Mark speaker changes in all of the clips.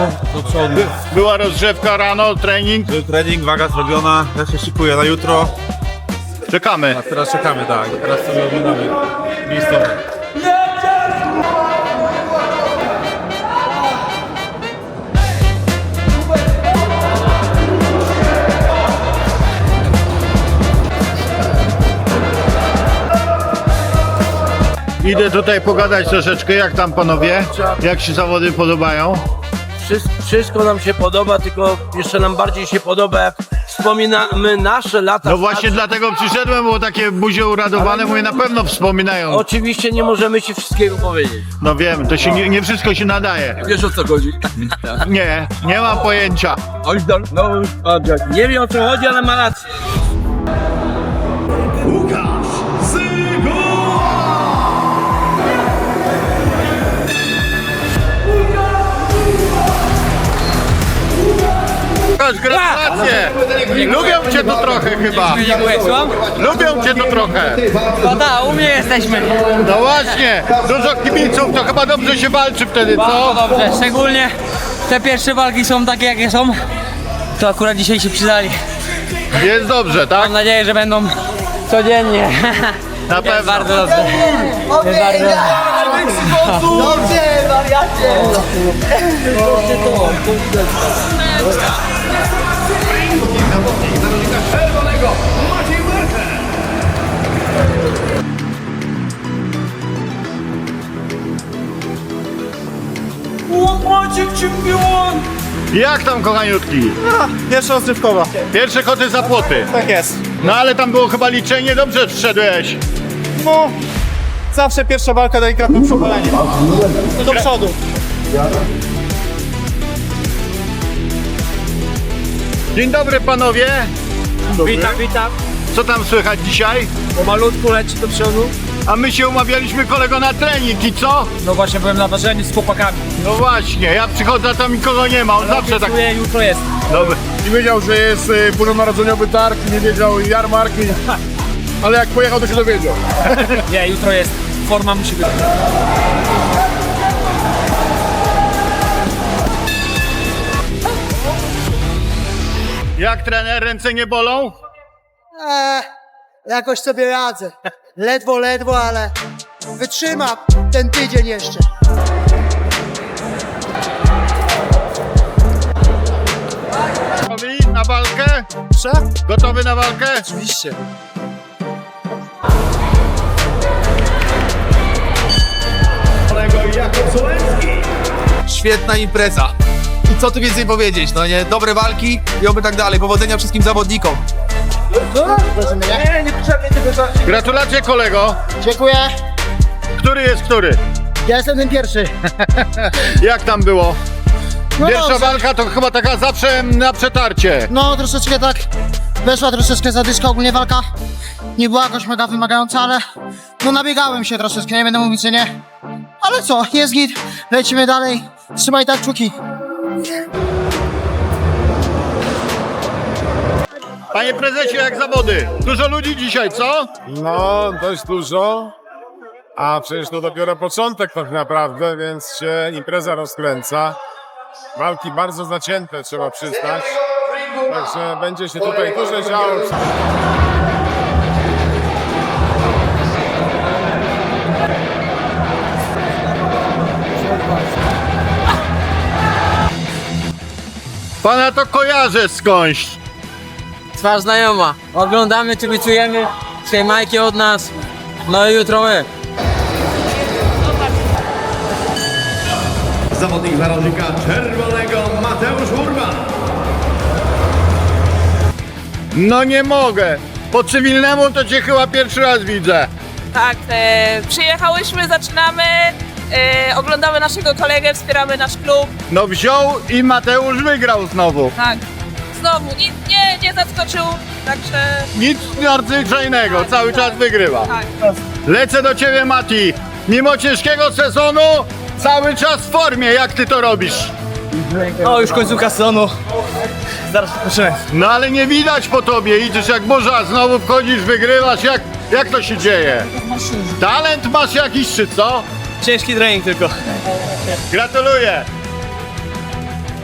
Speaker 1: do przodu.
Speaker 2: Była rozgrzewka rano, trening.
Speaker 1: Był trening, waga zrobiona, ja się szykuję na jutro.
Speaker 2: Czekamy.
Speaker 1: A teraz czekamy, tak. Teraz sobie oglądamy miejscowe.
Speaker 2: Idę tutaj pogadać troszeczkę, jak tam panowie? Jak się zawody podobają?
Speaker 3: Wszystko nam się podoba, tylko jeszcze nam bardziej się podoba, jak wspominamy nasze lata.
Speaker 2: No właśnie dlatego przyszedłem, bo takie buzie uradowane, mówię, na pewno wspominają.
Speaker 3: Oczywiście nie możemy ci wszystkiego powiedzieć.
Speaker 2: No wiem, to się nie wszystko się nadaje.
Speaker 3: Wiesz, o co chodzi?
Speaker 2: Nie mam pojęcia.
Speaker 3: Nie wiem, o co chodzi, ale ma rację.
Speaker 2: Gratulacje! Lubią cię tu trochę chyba.
Speaker 4: Dziękuję, słucham?
Speaker 2: Lubią cię tu trochę.
Speaker 4: No tak, u mnie jesteśmy.
Speaker 2: No właśnie, dużo kibiców, to chyba dobrze się walczy wtedy,
Speaker 4: Bardzo
Speaker 2: co?
Speaker 4: dobrze, szczególnie te pierwsze walki są takie, jakie są. To akurat dzisiaj się przydali.
Speaker 2: Jest dobrze, tak?
Speaker 4: Mam nadzieję, że będą codziennie.
Speaker 2: Na
Speaker 4: Jest
Speaker 2: pewno.
Speaker 4: bardzo dobrze. Jest bardzo dobrze.
Speaker 5: Dobrze, wariacie!
Speaker 2: Jak tam, kochaniutki?
Speaker 1: Pierwsza rozrywkowa.
Speaker 2: Pierwsze koty za płoty.
Speaker 1: Tak jest.
Speaker 2: No ale tam było chyba liczenie, dobrze wszedłeś.
Speaker 1: No, zawsze pierwsza walka delikatne przebalenie. Do przodu.
Speaker 2: Dzień dobry panowie.
Speaker 3: Witam, witam.
Speaker 2: Co tam słychać dzisiaj?
Speaker 3: Pomalutku leci do przodu.
Speaker 2: A my się umawialiśmy kolego na trening i co?
Speaker 4: No właśnie byłem na ważeniu z chłopakami.
Speaker 2: No właśnie, ja przychodzę, a tam nikogo nie ma, on zawsze tak...
Speaker 4: Jutro jest.
Speaker 2: Dobry.
Speaker 6: Nie wiedział, że jest bożonarodzeniowy targ, nie wiedział jarmark, ale jak pojechał, to się dowiedział.
Speaker 4: Nie, jutro jest. Forma musi być.
Speaker 2: Jak trener, ręce nie bolą?
Speaker 5: Jakoś sobie radzę. Ledwo, ale wytrzymam ten tydzień jeszcze.
Speaker 2: Gotowi na walkę?
Speaker 5: Co?
Speaker 2: Gotowy na walkę?
Speaker 5: Oczywiście.
Speaker 7: Świetna impreza. I co tu więcej powiedzieć, no nie? Dobre walki i oby tak dalej. Powodzenia wszystkim zawodnikom.
Speaker 2: Gratulacje kolego.
Speaker 5: Dziękuję.
Speaker 2: Który jest który?
Speaker 5: Ja jestem ten pierwszy.
Speaker 2: Jak tam było?
Speaker 5: No
Speaker 2: Pierwsza
Speaker 5: dobrze.
Speaker 2: walka to chyba taka zawsze na przetarcie.
Speaker 5: No troszeczkę tak. Weszła troszeczkę zadyszka, ogólnie walka nie była jakoś mega wymagająca, ale no nabiegałem się troszeczkę, nie będę mówić, że nie. Ale co, jest git, lecimy dalej. Trzymaj tak kciuki.
Speaker 2: Panie prezesie, jak zawody? Dużo ludzi dzisiaj, co?
Speaker 6: No, dość dużo, a przecież to dopiero początek tak naprawdę, więc się impreza rozkręca. Walki bardzo zacięte, trzeba przyznać, także będzie się tutaj dużo działo.
Speaker 2: Pana to kojarzę skądś.
Speaker 4: Twarz znajoma. Oglądamy, kibicujemy. Trzymajcie od nas. No i jutro my.
Speaker 8: Zawodnik zarodnika czerwonego Mateusz Urban.
Speaker 2: No nie mogę. Po cywilnemu to cię chyba pierwszy raz widzę.
Speaker 9: Tak, przyjechałyśmy, zaczynamy, oglądamy naszego kolegę, wspieramy nasz klub.
Speaker 2: No wziął i Mateusz wygrał znowu.
Speaker 9: Tak, znowu, nie zaskoczył, także
Speaker 2: Nic nadzwyczajnego, cały czas wygrywa.
Speaker 9: tak.
Speaker 2: Lecę do ciebie, Mati. Mimo ciężkiego sezonu, cały czas w formie. Jak ty to robisz?
Speaker 4: O, już końcówka sezonu. Zaraz rozpoczynamy.
Speaker 2: No ale nie widać po tobie. Idziesz jak burza, znowu wchodzisz, wygrywasz. Jak to się dzieje? Talent masz jakiś, czy co?
Speaker 4: Ciężki trening tylko.
Speaker 2: Gratuluję.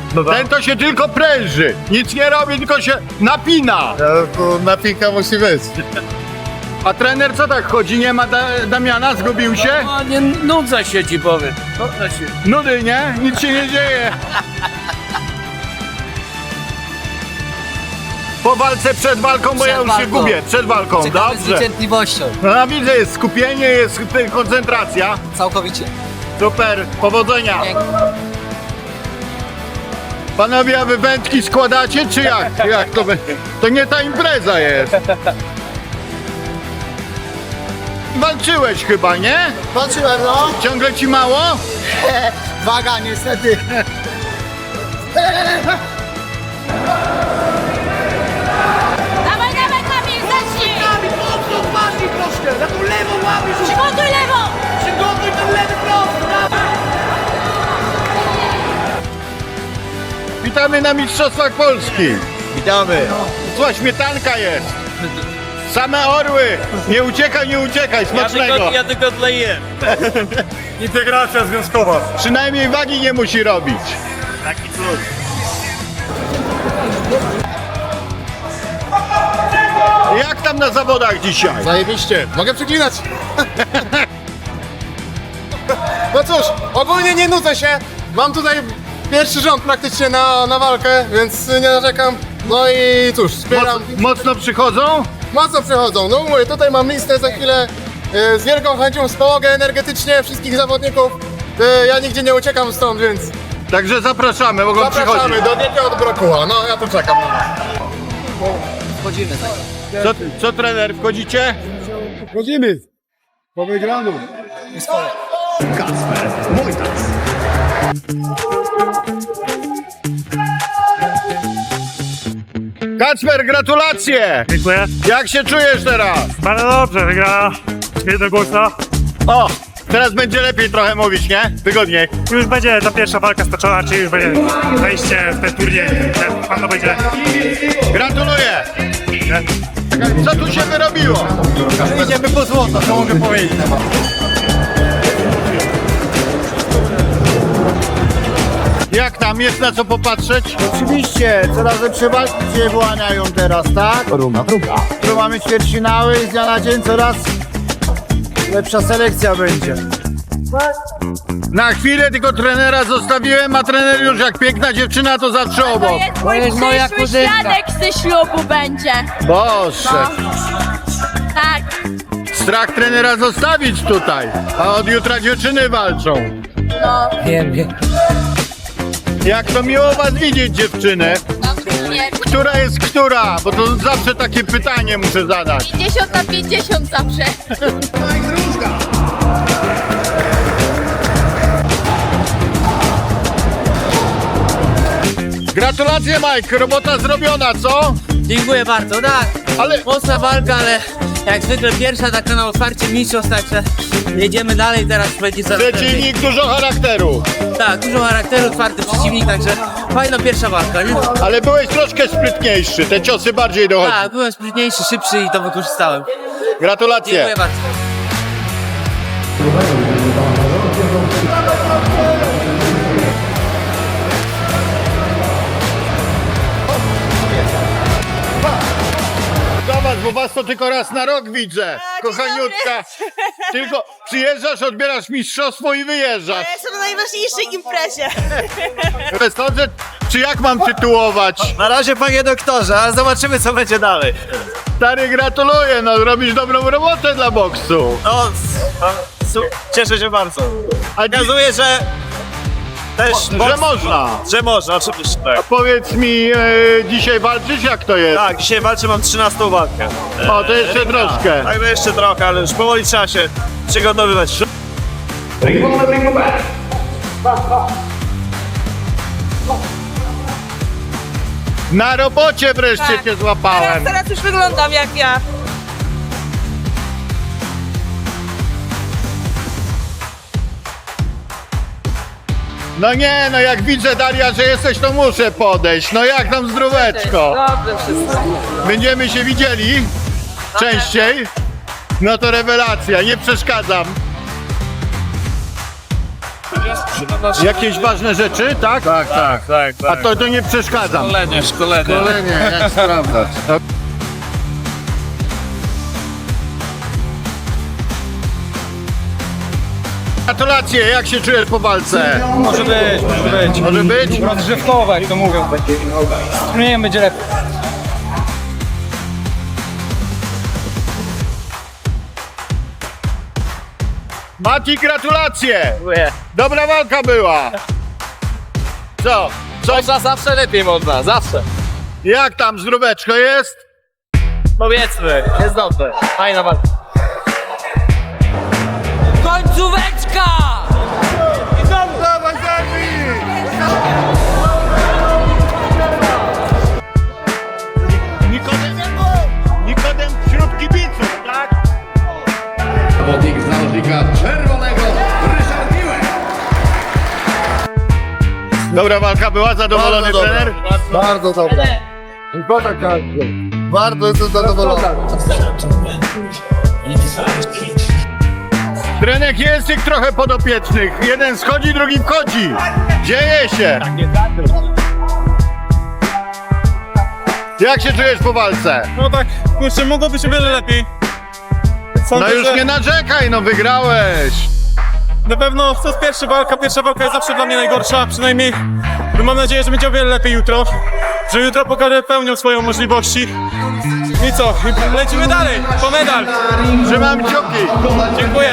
Speaker 2: Ten to się tylko pręży. Nic nie robi, tylko się napina.
Speaker 1: Napinka musi być.
Speaker 2: A trener co tak chodzi? Nie ma Damiana? Zgubił się?
Speaker 3: No nie nudzę się ci powiem. Nudzę się.
Speaker 2: Nudy, nie? Nic się nie dzieje. Po walce, przed walką, bo ja już się
Speaker 4: walką.
Speaker 2: gubię. Przed walką,
Speaker 4: Czekamy z
Speaker 2: dobrze.
Speaker 4: niecierpliwością.
Speaker 2: No widzę, jest skupienie, jest koncentracja.
Speaker 4: Całkowicie.
Speaker 2: Super, powodzenia. Panowie, a wy wędki składacie, czy jak? Jak to będzie? To nie ta impreza jest. Walczyłeś chyba, nie?
Speaker 5: Walczyłem, no.
Speaker 2: Ciągle ci mało?
Speaker 5: Waga, niestety.
Speaker 9: Dawaj, dawaj, Kamil, zacznij! Kamil, mocno twarz troszkę, na tą lewą łapiesz! Przygotuj lewą! Przygotuj ten lewy prost!
Speaker 2: Witamy na Mistrzostwach Polski.
Speaker 1: Witamy.
Speaker 2: Słuchaj, śmietanka jest. Same orły. Nie uciekaj, smacznego.
Speaker 3: Ja tylko tleję.
Speaker 1: Integracja związkowa.
Speaker 2: Przynajmniej wagi nie musi robić.
Speaker 1: Taki cud.
Speaker 2: Jak tam na zawodach dzisiaj?
Speaker 6: Zajebiście. Mogę przeklinać. No cóż, ogólnie nie nudzę się. Mam tutaj pierwszy rząd praktycznie na walkę, więc nie narzekam. No i cóż, wspieram.
Speaker 2: Mocno przychodzą?
Speaker 6: Mocno przychodzą. No mówię, tutaj mam listę za chwilę. Z wielką chęcią wspomogę energetycznie wszystkich zawodników. Ja nigdzie nie uciekam stąd, więc
Speaker 2: Także zapraszamy, mogą
Speaker 6: zapraszamy
Speaker 2: przychodzić.
Speaker 6: do Diety od Brokuła. No ja tu czekam na was.
Speaker 4: Wchodzimy tak.
Speaker 2: Co trener, wchodzicie?
Speaker 6: Chodzimy. Po wygranu.
Speaker 8: Kacper Wojtas.
Speaker 2: Kacper, gratulacje!
Speaker 1: Dziękuję.
Speaker 2: Jak się czujesz teraz?
Speaker 1: Bardzo dobrze, wygrała jednogłośna.
Speaker 2: O, teraz będzie lepiej trochę mówić, nie? Wygodniej.
Speaker 1: Już będzie ta pierwsza walka stoczona, czyli już będzie wejście w ten turniej. Pan to będzie.
Speaker 2: Gratuluję! Co tu się wyrobiło?
Speaker 1: Idziemy po złoto, to mogę powiedzieć.
Speaker 2: Jak tam, jest na co popatrzeć?
Speaker 1: Oczywiście, coraz lepsze walki się wyłaniają teraz, tak? Runa druga. Tu mamy ćwierćfinały i z dnia na dzień coraz lepsza selekcja będzie.
Speaker 2: Na chwilę tylko trenera zostawiłem, a trener już jak piękna dziewczyna to zawsze obok.
Speaker 4: To jest moja kuzynka.
Speaker 9: Świadek ze ślubu będzie.
Speaker 2: Boże,
Speaker 9: Tak.
Speaker 2: strach trenera zostawić tutaj, a od jutra dziewczyny walczą.
Speaker 4: Wiem.
Speaker 2: Jak to miło was widzieć, dziewczyny. Która jest która? Bo to zawsze takie pytanie muszę zadać.
Speaker 9: 50 na 50 zawsze.
Speaker 2: Gratulacje, Mike, robota zrobiona, co?
Speaker 4: Dziękuję bardzo, tak.
Speaker 2: Ale
Speaker 4: Mocna walka, ale jak zwykle pierwsza taka na otwarcie mistrzostw, także jedziemy dalej, teraz będzie coraz lepiej.
Speaker 2: przeciwnik dużo charakteru.
Speaker 4: Tak, dużo charakteru, twardy przeciwnik, także fajna pierwsza walka, nie?
Speaker 2: Ale byłeś troszkę sprytniejszy, te ciosy bardziej dochodzą.
Speaker 4: Tak, byłem sprytniejszy, szybszy i to wykorzystałem.
Speaker 2: Gratulacje.
Speaker 4: Dziękuję bardzo.
Speaker 2: Zobacz, bo was to tylko raz na rok widzę. Kochaniutka. Tylko przyjeżdżasz, odbierasz mistrzostwo i wyjeżdżasz.
Speaker 9: Jestem na najważniejszej imprezie.
Speaker 2: Profesorze, czy jak mam tytułować?
Speaker 1: Na razie, panie doktorze, ale zobaczymy, co będzie dalej.
Speaker 2: Stary, gratuluję, no robisz dobrą robotę dla boksu.
Speaker 1: No, cieszę się bardzo.
Speaker 2: A
Speaker 1: Pokazuje, że też
Speaker 2: że można.
Speaker 1: Że można, oczywiście tak.
Speaker 2: Powiedz mi, dzisiaj walczysz, jak to jest?
Speaker 1: Tak, dzisiaj walczę, mam 13 walkę.
Speaker 2: O, to jeszcze troszkę.
Speaker 1: Tak, no jeszcze trochę, ale już powoli trzeba się przygotowywać.
Speaker 2: Na robocie wreszcie cię złapałem.
Speaker 9: Teraz już wyglądam jak ja.
Speaker 2: No nie, no jak widzę, Daria, że jesteś, to muszę podejść. No jak tam zdróweczko?
Speaker 9: Dobrze wszystko.
Speaker 2: Będziemy się widzieli częściej. No to rewelacja, nie przeszkadzam. Jakieś ważne rzeczy, tak? Tak. A to nie przeszkadzam.
Speaker 1: Szkolenie, jak sprawdzać.
Speaker 2: Gratulacje, jak się czujesz po walce?
Speaker 4: Może być.
Speaker 2: Może być?
Speaker 4: Rozgrzewkowa, jak to mówią. Nie będzie lepiej.
Speaker 2: Mati, gratulacje! Dobra walka była! Co?
Speaker 4: Można zawsze lepiej można, zawsze.
Speaker 2: Jak tam, zdróweczko jest?
Speaker 4: Powiedzmy, jest dobrze. Fajna walka. Końcóweczka!
Speaker 2: Nikodem wśród kibiców, tak?
Speaker 8: Zawodnik z narożnika czerwonego, Ryszard Miłek.
Speaker 2: Dobra walka była, zadowolony
Speaker 1: Bardzo
Speaker 2: trener?
Speaker 1: Bardzo dobra. Bardzo jestem zadowolony.
Speaker 2: Trenek jest tych trochę podopiecznych. Jeden schodzi, drugi wchodzi. Dzieje się. Jak się czujesz po walce?
Speaker 10: No tak, kurczę, mogło być o wiele lepiej. Sądzę,
Speaker 2: No już
Speaker 10: że
Speaker 2: nie narzekaj, no wygrałeś.
Speaker 10: na pewno to jest pierwsza walka jest zawsze dla mnie najgorsza, przynajmniej mam nadzieję, że będzie o wiele lepiej jutro. Że jutro pokażę pełnią swoją możliwości. I co? I lecimy dalej, po medal.
Speaker 2: Trzymam kciuki.
Speaker 10: Dziękuję.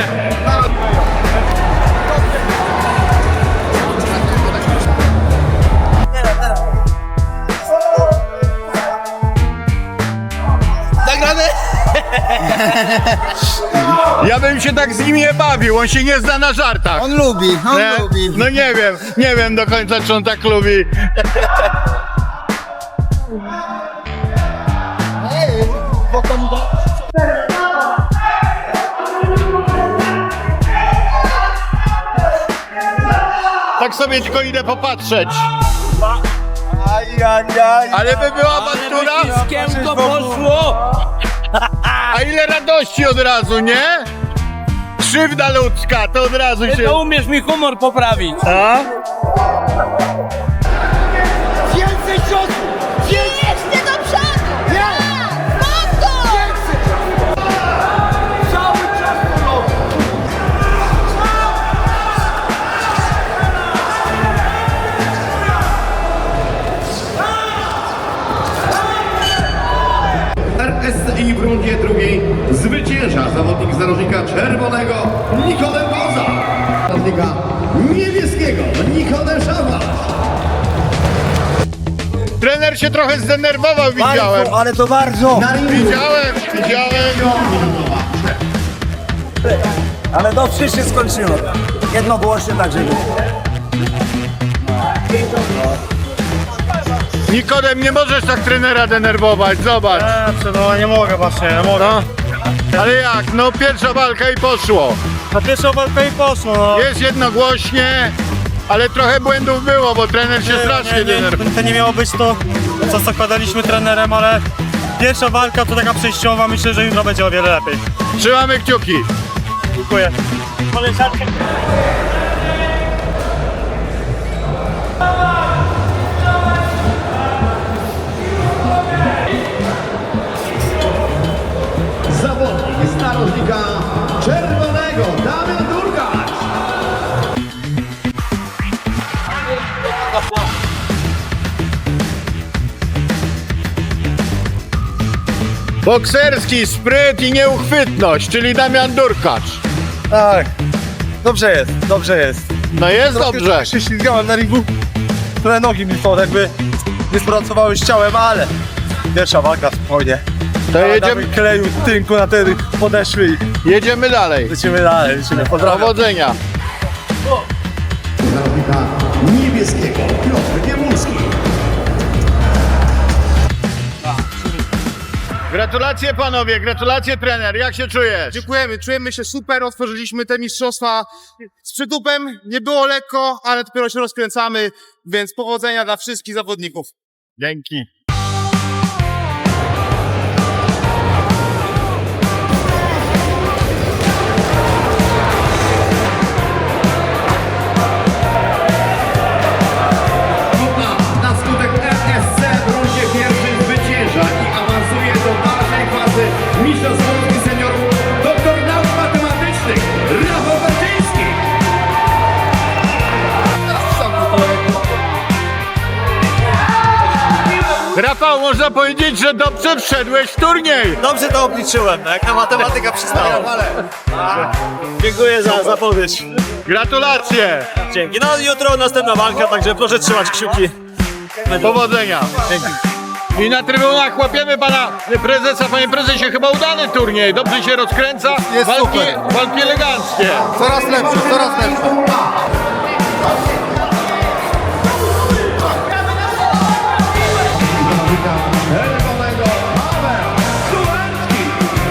Speaker 2: Ja bym się tak z nim nie bawił, on się nie zna na żartach.
Speaker 1: On lubi.
Speaker 2: Nie? No nie wiem do końca, czy on tak lubi. Tak sobie tylko idę popatrzeć. Ale by była awantura?
Speaker 3: Kiemko poszło!
Speaker 2: A ile radości od razu, nie? Krzywda ludzka, to od razu
Speaker 3: Ty
Speaker 2: się...
Speaker 3: to umiesz mi humor poprawić.
Speaker 2: A?
Speaker 9: Jeszcze do przodu! Mam to!
Speaker 8: RSI w rundzie drugiej zwycięża zawodnik z narożnika czerwonego Nikodem Koza. Zawodnika niebieskiego Nikodem Szawasz.
Speaker 2: Trener się trochę zdenerwował, widziałem.
Speaker 1: Ale to bardzo.
Speaker 2: Widziałem.
Speaker 1: Ale dobrze się skończyło. Jednogłośnie tak, żeby...
Speaker 2: Nikodem, nie możesz tak trenera denerwować, zobacz.
Speaker 10: No nie mogę właśnie, nie mogę.
Speaker 2: Ale jak? No pierwsza walka i poszło.
Speaker 10: Na pierwszą walkę i poszło, no.
Speaker 2: Jest jednogłośnie, ale trochę błędów było, bo trener się strasznie denerwował.
Speaker 10: To nie miało być to, co zakładaliśmy trenerem, ale pierwsza walka to taka przejściowa, myślę, że jutro będzie o wiele lepiej.
Speaker 2: Trzymamy kciuki.
Speaker 10: Dziękuję.
Speaker 8: Zawodnik z narożnika czerwonego Damian Durgacz.
Speaker 2: Bokserski spryt i nieuchwytność, czyli Damian Durkacz.
Speaker 10: Tak, dobrze jest.
Speaker 2: No jest dobrze.
Speaker 10: się ślizgałem na ringu, trochę nogi mi jakby nie spracowały z ciałem, ale pierwsza walka spokojnie.
Speaker 2: To jedziemy,
Speaker 10: Kleju, tynku na ten podeszły i
Speaker 2: jedziemy dalej.
Speaker 10: lecimy dalej, pozdrawiam.
Speaker 2: Powodzenia.
Speaker 8: Z narożnika niebieskiego Piotr Giemulski.
Speaker 2: Gratulacje panowie, gratulacje trener, jak się czujesz?
Speaker 6: Dziękujemy, czujemy się super, otworzyliśmy te mistrzostwa z przytupem, nie było lekko, ale dopiero się rozkręcamy, więc powodzenia dla wszystkich zawodników.
Speaker 2: Dzięki. Rafał, można powiedzieć, że dobrze wszedłeś w turniej.
Speaker 10: Dobrze to obliczyłem, no jak na matematyka przystała. Dziękuję za zapowiedź.
Speaker 2: Gratulacje.
Speaker 10: Dzięki. No jutro następna walka, także proszę trzymać kciuki.
Speaker 2: Powodzenia. I na trybunach łapiemy pana prezesa. Panie prezesie, chyba udany turniej. Dobrze się rozkręca.
Speaker 1: Jest super.
Speaker 2: Walki eleganckie.
Speaker 1: Coraz lepsze, coraz lepsze.
Speaker 8: Czerwonego Paweł Sułecki.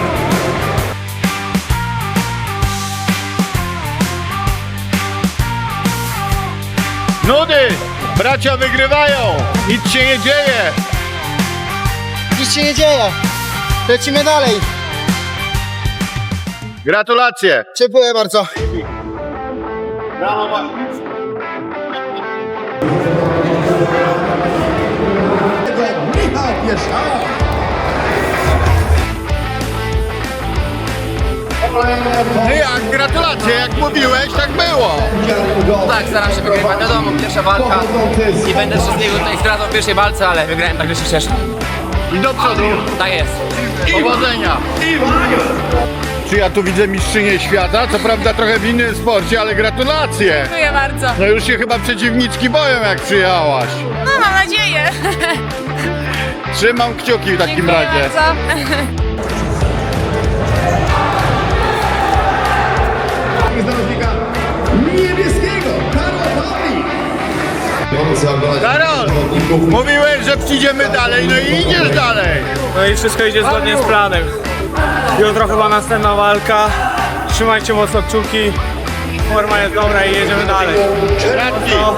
Speaker 2: Nudy. Bracia wygrywają. Nic się nie dzieje.
Speaker 5: Nic się nie dzieje. Lecimy dalej.
Speaker 2: Gratulacje.
Speaker 5: Dziękuję bardzo.
Speaker 8: Michał Pieszała.
Speaker 2: No jak, gratulacje. Jak mówiłeś, tak było.
Speaker 4: Tak, staram się wygrywać. Wiadomo, pierwsza walka i będę wszystkiego tutaj zdradzał w pierwszej walce, ale wygrałem, także się cieszę.
Speaker 2: I do przodu.
Speaker 4: Tak jest.
Speaker 2: Powodzenia. Czy ja tu widzę mistrzynię świata? Co prawda trochę w innym sporcie, ale gratulacje.
Speaker 9: Dziękuję bardzo.
Speaker 2: No już się chyba przeciwniczki boją, jak przyjechałaś.
Speaker 9: No, mam nadzieję.
Speaker 2: Trzymam kciuki w takim
Speaker 9: Dziękuję
Speaker 2: razie.
Speaker 9: bardzo.
Speaker 8: Z narożnika niebieskiego Karol Pawlik.
Speaker 2: Karol, mówiłeś, że przyjdziemy dalej, no i idziesz dalej.
Speaker 10: No i wszystko idzie zgodnie z planem. Jutro chyba następna walka. Trzymajcie mocno kciuki. Forma jest dobra i jedziemy dalej.
Speaker 2: Radki.
Speaker 10: No.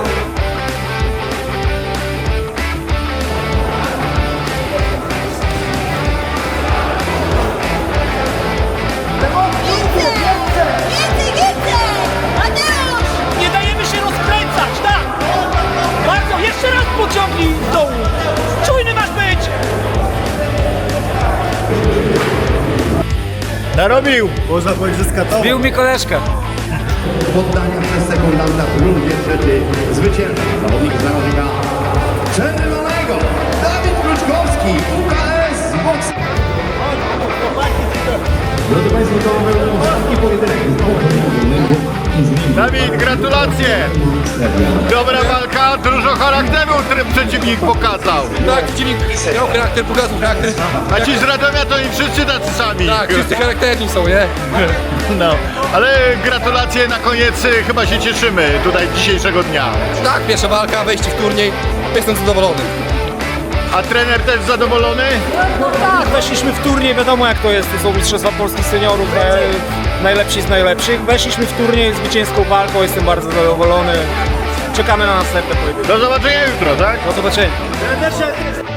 Speaker 9: Nie dajemy się rozkręcać, tak! Bardzo, jeszcze raz pociągnij w dołu. Czujny masz być!
Speaker 2: Narobił.
Speaker 4: Bił mi koleżkę.
Speaker 8: Poddania przez sekundanta w rundzie trzeciej. Zwycięża zawodnik z narożnika czerwonego Dawid Kluczkowski, UKS Box. Drodzy Państwo, to był ostatni pojedynek.
Speaker 2: Dawid, gratulacje. Dobra walka, dużo charakteru przeciwnik pokazał.
Speaker 7: Tak, przeciwnik miał charakter, pokazał charakter.
Speaker 2: A ci z Radomia to i wszyscy tacy sami.
Speaker 7: Tak, wszyscy charakterni są, nie?
Speaker 2: No, ale gratulacje na koniec, chyba się cieszymy tutaj dzisiejszego dnia.
Speaker 7: Tak, pierwsza walka, wejście w turniej. Jestem zadowolony.
Speaker 2: A trener też zadowolony?
Speaker 10: No tak, weszliśmy w turniej, wiadomo jak to jest, to są mistrzostwa polskich seniorów, najlepsi z najlepszych. Weszliśmy w turniej zwycięską walką, jestem bardzo zadowolony. Czekamy na następne pojedynki.
Speaker 2: Do zobaczenia jutro, tak?
Speaker 10: Do zobaczenia.